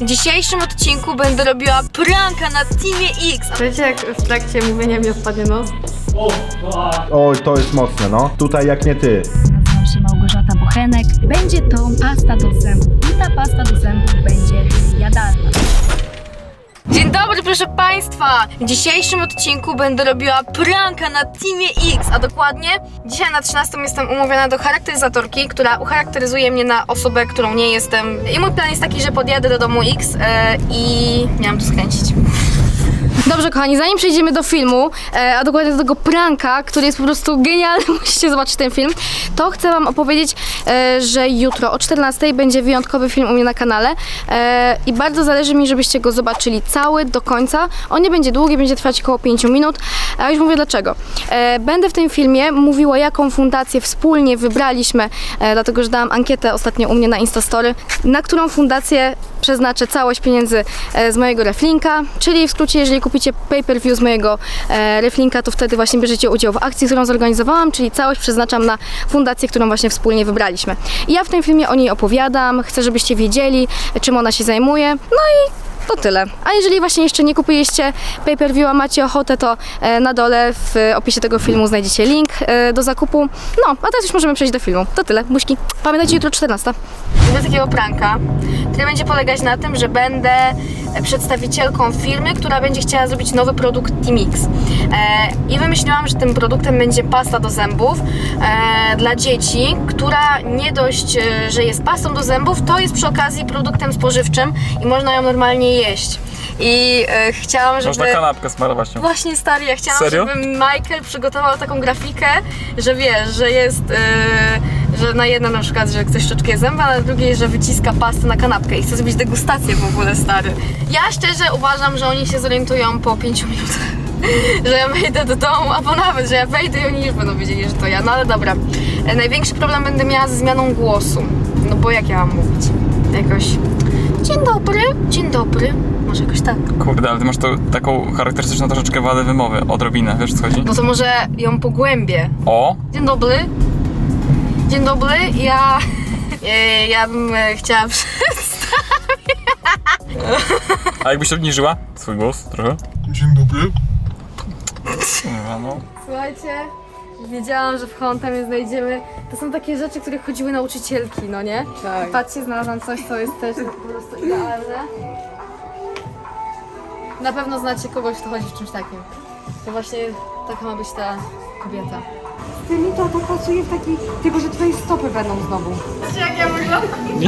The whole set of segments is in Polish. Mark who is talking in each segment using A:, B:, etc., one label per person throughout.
A: W dzisiejszym odcinku będę robiła pranka na Teamie X.
B: Wiecie, jak w trakcie mówienia mi odpadnie nos?
C: Oj, to jest mocne, no. Tutaj jak nie ty.
D: Nazywam się Małgorzata Bochenek. Będzie to pasta do zębów i ta pasta do zębów będzie jadalna.
A: Dzień dobry, proszę Państwa! W dzisiejszym odcinku będę robiła pranka na Teamie X, a dokładnie dzisiaj na 13 jestem umówiona do charakteryzatorki, która ucharakteryzuje mnie na osobę, którą nie jestem. I mój plan jest taki, że podjadę do domu X i miałam to skręcić. Dobrze, kochani, zanim przejdziemy do filmu, a dokładnie do tego pranka, który jest po prostu genialny, musicie zobaczyć ten film, to chcę wam opowiedzieć, że jutro o 14 będzie wyjątkowy film u mnie na kanale i bardzo zależy mi, żebyście go zobaczyli cały, do końca. On nie będzie długi, będzie trwać około 5 minut, a już mówię dlaczego. Będę w tym filmie mówiła, jaką fundację wspólnie wybraliśmy, dlatego że dałam ankietę ostatnio u mnie na Instastory, na którą fundację przeznaczę całość pieniędzy z mojego reflinka, czyli w skrócie, jeżeli kupicie pay-per-view z mojego reflinka, to wtedy właśnie bierzecie udział w akcji, którą zorganizowałam, czyli całość przeznaczam na fundację, którą właśnie wspólnie wybraliśmy. I ja w tym filmie o niej opowiadam, chcę, żebyście wiedzieli, czym ona się zajmuje, no i to tyle. A jeżeli właśnie jeszcze nie kupiliście pay-per-view, a macie ochotę, to na dole w opisie tego filmu znajdziecie link do zakupu. No, a teraz już możemy przejść do filmu. To tyle, buźki. Pamiętajcie, jutro 14. Zrobię takiego pranka, który będzie polegać na tym, że będę przedstawicielką firmy, która będzie chciała zrobić nowy produkt Teamix. I wymyśliłam, że tym produktem będzie pasta do zębów dla dzieci, która nie dość, że jest pastą do zębów, to jest przy okazji produktem spożywczym i można ją normalnie jeść. I chciałam, żeby...
E: Można kanapkę smarować nią.
A: Właśnie, stary, ja chciałam,
E: Serio?
A: żeby Michael przygotował taką grafikę, że wiesz, że jest, że na jednym na przykład, że ktoś szczotkę zęba, a na drugiej, że wyciska pastę na kanapkę i chce zrobić degustację w ogóle, stary. Ja szczerze uważam, że oni się zorientują po 5 minutach, że ja wejdę do domu, albo nawet, że ja wejdę i oni już będą wiedzieli, że to ja, no ale dobra. Największy problem będę miała ze zmianą głosu, no bo jak ja mam mówić? Jakoś, dzień dobry, może jakoś tak.
E: Kurde, ale ty masz taką charakterystyczną troszeczkę wadę wymowy, odrobinę, wiesz o co chodzi?
A: No to może ją pogłębię.
E: O!
A: Dzień dobry. Dzień dobry, ja bym chciała przedstawić.
E: A jakbyś obniżyła swój głos trochę?
F: Dzień dobry.
E: No.
B: Słuchajcie, wiedziałam, że w Hontamie znajdziemy... To są takie rzeczy, które chodziły nauczycielki, no nie? Tak. Patrzcie, znalazłam coś, co jest też po prostu idealne. Na pewno znacie kogoś, kto chodzi w czymś takim. To właśnie taka ma być ta kobieta.
G: Tymi to pasuje w taki, tylko że twoje stopy będą znowu.
B: Wiecie, jak ja wyglądam?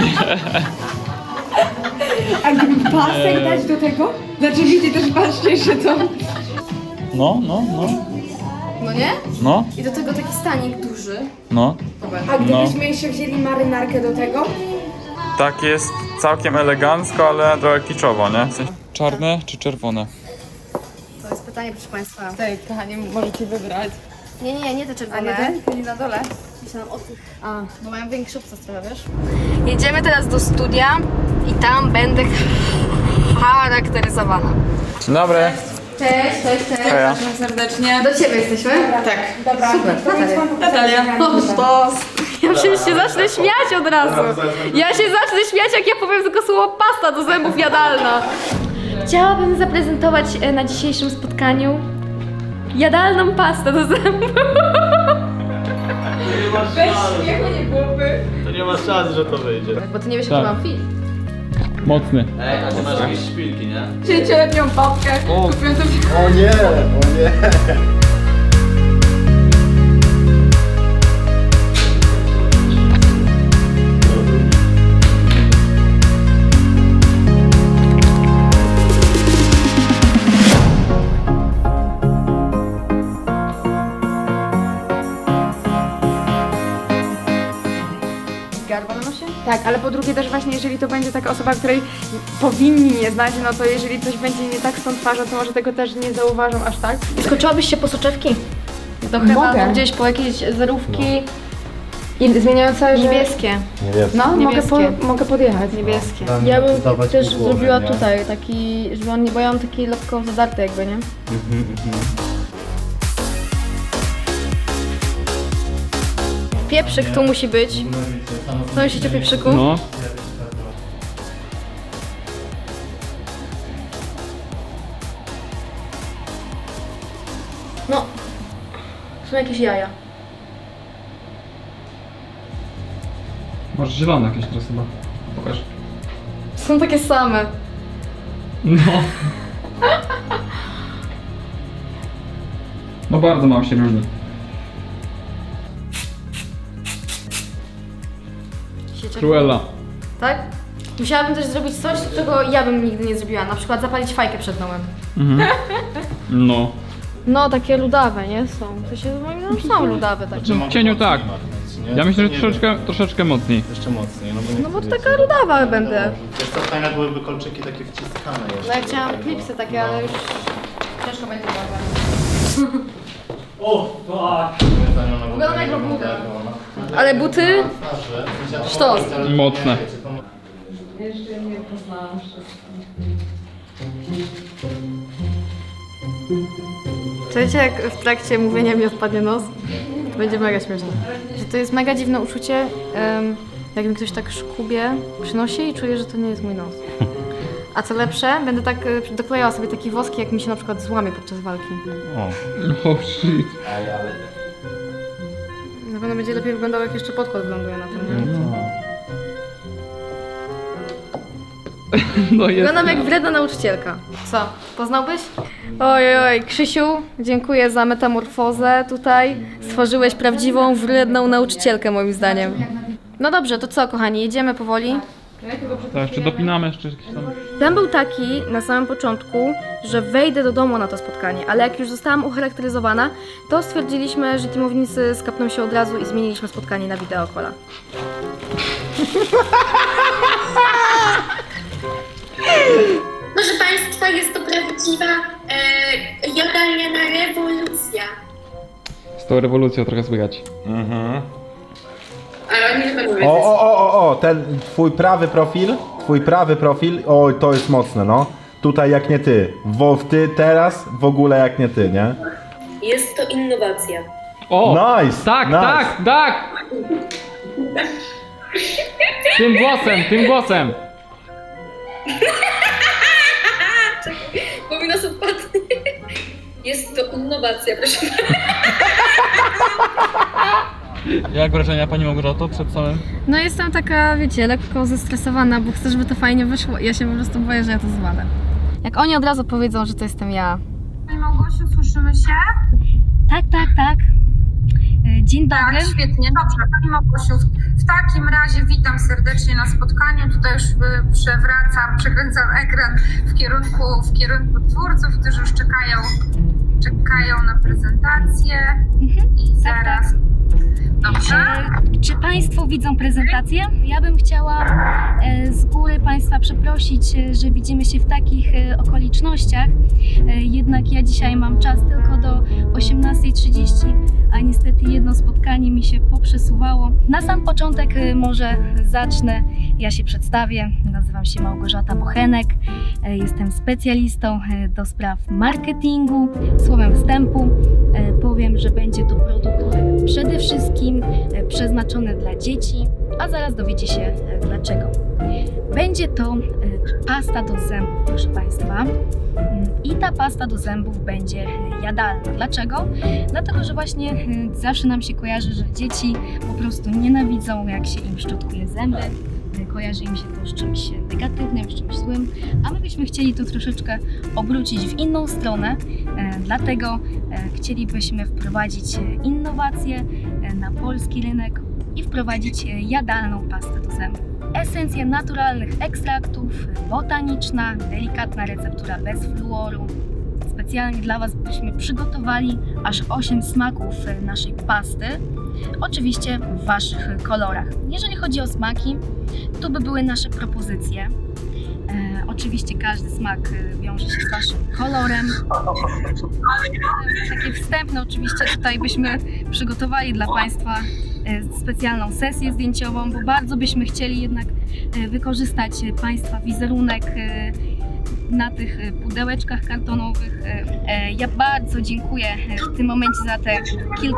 G: A gdyby pasek dać do tego? Znaczy widzicie, też patrzcie, że to...
E: No.
B: No nie?
E: No,
B: I do tego taki stanik duży.
E: no.
G: A gdybyśmy jeszcze wzięli marynarkę do tego?
E: Tak jest całkiem elegancko, ale trochę kiczowo, nie? W sensie czarne czy czerwone?
B: To jest pytanie, proszę Państwa. Tutaj, kochanie, możecie wybrać. Nie te
G: A
B: czerwone.
G: nie ten? Czyli na dole?
B: Myślałam o tych. Bo mają większy obsas trochę, wiesz? Jedziemy teraz do studia i tam będę charakteryzowana.
E: Dzień dobry.
B: Cześć.
E: Heja.
B: Serdecznie. Do Ciebie jesteśmy? Tak.
G: Dobra,
B: Super.
G: Natalia.
B: Ja się zacznę śmiać od razu. Ja się zacznę śmiać, jak ja powiem tylko słowo pasta do zębów jadalna. Chciałabym zaprezentować na dzisiejszym spotkaniu jadalną pastę do zębów.
H: To nie ma szans, że to wyjdzie.
B: Bo ty nie wiesz,
E: Tak.
B: jaki mam film.
E: Mocny.
H: A ty masz jakieś szpilki, nie?
B: 5-letnią babkę. Kupiłem to
C: O nie, o nie.
B: garba na nosie?
G: Tak, ale po drugie też właśnie, jeżeli to będzie taka osoba, której powinni nie znać, no to jeżeli coś będzie nie tak z tą twarzą, to może tego też nie zauważą aż tak.
B: Skoczyłabyś się po soczewki? To chyba
G: Mogę.
B: gdzieś po jakieś zerówki
G: I zmieniające, że...
B: niebieskie.
G: No,
B: Niebieskie.
G: mogę podjechać.
B: Niebieskie.
C: Ja bym też
B: zrobiła tutaj taki, żeby on nie, bo ja mam taki lekko zadarty jakby, nie? Pieprzyk tu musi być. Co myślicie o pieprzyku?
E: No.
B: są jakieś jaja.
E: Może zielone jakieś teraz chyba. Pokaż.
B: Są takie same.
E: No. No bardzo mało się różni. Cruella.
B: Tak? Musiałabym też zrobić coś, czego ja bym nigdy nie zrobiła. Na przykład zapalić fajkę przed domem.
E: No.
B: No, takie ludawe, nie? Są. To się moim zdaniem są ludawe takie.
E: W cieniu tak. Ja myślę, że troszeczkę mocniej.
H: Jeszcze mocniej, no bo
B: No bo to taka ludawa będę.
H: Wiesz co, fajne byłyby kolczyki takie wciskane jeszcze.
B: No ja chciałam klipsy takie, ale już ciężko będzie uważać.
H: O, tak!
B: Wyglądam jak robuga. Ale buty? Sztos.
E: Mocne.
B: Jeszcze nie poznałam wszystkich. Słuchajcie, jak w trakcie mówienia mi odpadnie nos? To będzie mega śmieszne. Że to jest mega dziwne uczucie, jak mi ktoś tak szkubie przynosi i czuję, że to nie jest mój nos. A co lepsze, będę tak doklejała sobie taki woski, jak mi się na przykład złamie podczas walki.
E: Oh shit.
B: Na pewno będzie lepiej wyglądał, jak jeszcze podkład wyląduje na tym, nie?
E: No jest.
B: Wyglądam jak wredna nauczycielka. Co, poznałbyś? Oj, Krzysiu, dziękuję za metamorfozę tutaj. Stworzyłeś prawdziwą, wredną nauczycielkę moim zdaniem. No dobrze, to co kochani, jedziemy powoli?
E: To jeszcze dopinamy jeszcze jakieś tam.
B: Plan był taki na samym początku, że wejdę do domu na to spotkanie, ale jak już zostałam ucharakteryzowana, to stwierdziliśmy, że teamownicy skapną się od razu i zmieniliśmy spotkanie na wideokola.
F: Proszę Państwa, jest to prawdziwa jadalniana rewolucja.
E: Z tą rewolucją trochę słychać.
F: Ale oni chyba mówią.
C: O, ten twój prawy profil, oj, to jest mocne, no. Tutaj jak nie ty. Ty teraz w ogóle jak nie ty, nie?
F: Jest to innowacja.
E: O!
C: Nice!
E: Tak,
C: nice.
E: tak! Tym głosem!
F: Bo mi nas odpadnie. Jest to innowacja, proszę.
E: Jak wrażenia pani Małgorzato przed samym?
B: No jestem taka, wiecie, lekko zestresowana, bo chcę, żeby to fajnie wyszło. Ja się po prostu boję, że ja to zwalę. Jak oni od razu powiedzą, że to jestem ja.
I: Pani Małgosiu, słyszymy się?
D: Tak. Dzień dobry.
I: Tak, świetnie, dobrze. Pani Małgosiu, w takim razie witam serdecznie na spotkaniu. Tutaj już przekręcam ekran w kierunku twórców, którzy już czekają na prezentację. I zaraz... Dobrze.
D: Czy Państwo widzą prezentację? Ja bym chciała z góry Państwa przeprosić, że widzimy się w takich okolicznościach. Jednak ja dzisiaj mam czas tylko do 18:30, a niestety jedno spotkanie mi się poprzesuwało. Na sam początek może zacznę. Ja się przedstawię. Nazywam się Małgorzata Bochenek. Jestem specjalistą do spraw marketingu. Słowem wstępu powiem, że będzie to produkt przede wszystkim przeznaczony dla dzieci, a zaraz dowiecie się dlaczego. Będzie to pasta do zębów, proszę Państwa. I ta pasta do zębów będzie jadalna. Dlaczego? Dlatego, że właśnie zawsze nam się kojarzy, że dzieci po prostu nienawidzą, jak się im szczotkuje zęby. Kojarzy im się to z czymś negatywnym, z czymś złym, a my byśmy chcieli to troszeczkę obrócić w inną stronę, dlatego chcielibyśmy wprowadzić innowacje na polski rynek i wprowadzić jadalną pastę do zębów. Esencja naturalnych ekstraktów, botaniczna, delikatna receptura bez fluoru. Specjalnie dla Was byśmy przygotowali aż 8 smaków naszej pasty, oczywiście w Waszych kolorach. Jeżeli chodzi o smaki, to by były nasze propozycje. Oczywiście każdy smak wiąże się z Waszym kolorem. Takie wstępne oczywiście tutaj byśmy przygotowali dla Państwa specjalną sesję zdjęciową, bo bardzo byśmy chcieli jednak wykorzystać Państwa wizerunek na tych pudełeczkach kartonowych. Ja bardzo dziękuję w tym momencie za te kilku...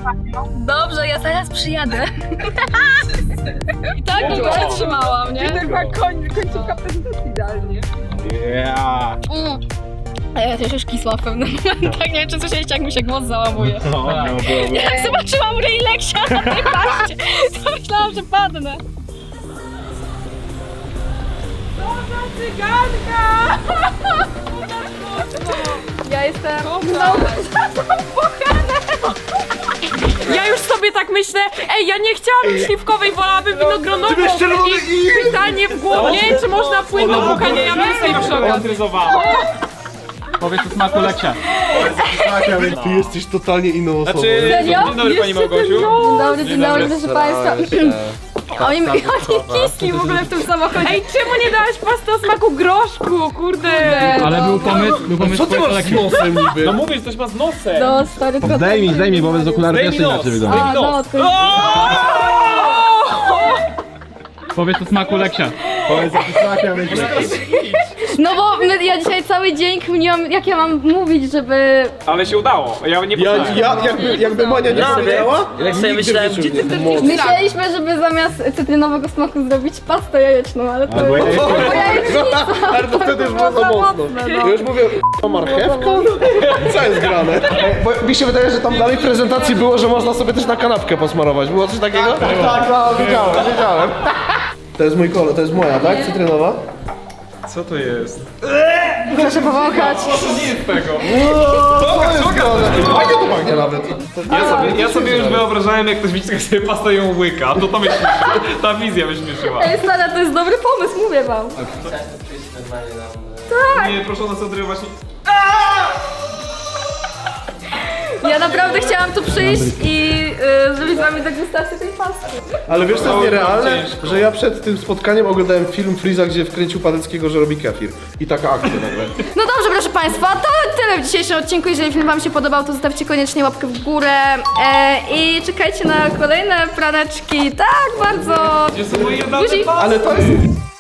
D: Dobrze, ja zaraz przyjadę. I tak go trzymałam, nie?
G: Końcówka prezentacji idealnie.
C: Yeah.
D: A ja też już kisła w pewnym momentach, nie wiem czy słyszeliście jak mi się głos załamuje. Jak zobaczyłam ryj Leksia na tej paście, to myślałam, że padnę.
G: Ja jestem Ja już sobie tak myślę, ej, ja nie chciałabym śliwkowej, wolałabym winogronową. I pytanie w głowie, czy można płynną pukanie mięsa i przy okazji.
E: Powiedz o smaku Leksia.
H: Ty jesteś totalnie inną osobą.
D: Serio?
E: Dzień dobry pani Małgosiu.
B: Dzień dobry, proszę państwa. Oni kiski w ogóle w tym samochodzie.
G: Ej, czemu nie dałaś pasty o smaku groszku, kurde.
E: Ale był pomysł
H: Co ty masz z nosem niby?
E: No mówisz, coś ma z nosem.
B: No, stary, to...
C: Zdejmij, bo bez okularów jeszcze inaczej wygląda.
B: A, no, to...
E: Powiedz o smaku Leksia.
C: Powiedz, jaki smak miał mieć.
B: No bo ja dzisiaj cały dzień kminiłam, jak ja mam mówić, żeby...
E: Ale się udało. Ja nie
H: Jakby Monia nie powiedziała,
J: Jak sobie myślałem, gdzie ty
B: Myśleliśmy, żeby zamiast cytrynowego smaku zrobić pastę jajeczną, ale to...
H: ale to wtedy już było za mocno. Ja już mówię, marchewka? Co jest grane? Bo mi się wydaje, że tam dalej w prezentacji było, że można sobie też na kanapkę posmarować. Było coś takiego? Tak, wiedziałem. To jest mój kolor, to jest moja, tak? Cytrynowa?
E: Co to jest?
B: Proszę powąchać.
E: Nie jest tego.
H: To jest grane. Fajnie to pachnie nawet.
E: Ja sobie już wyobrażałem, jak ktoś widzi sobie pasta i ją łyka. To mnie śmieszy. Ta wizja mnie śmieszyła.
B: Ej, stara, to jest dobry pomysł, mówię wam.
E: Nie, proszę nas odrywać.
B: Ja naprawdę chciałam tu przyjść i zrobić z wami degustację tej pasty.
H: Ale wiesz co jest nierealne? Że ja przed tym spotkaniem oglądałem film Freeza, gdzie wkręcił Padeckiego, że robi kefir. I taka akcja nagle.
B: No dobrze, proszę państwa, to tyle w dzisiejszym odcinku. Jeżeli film wam się podobał, to zostawcie koniecznie łapkę w górę i czekajcie na kolejne praneczki. Tak, bardzo.
E: Gdzie są moje
B: Guzik.
H: Ale to jest...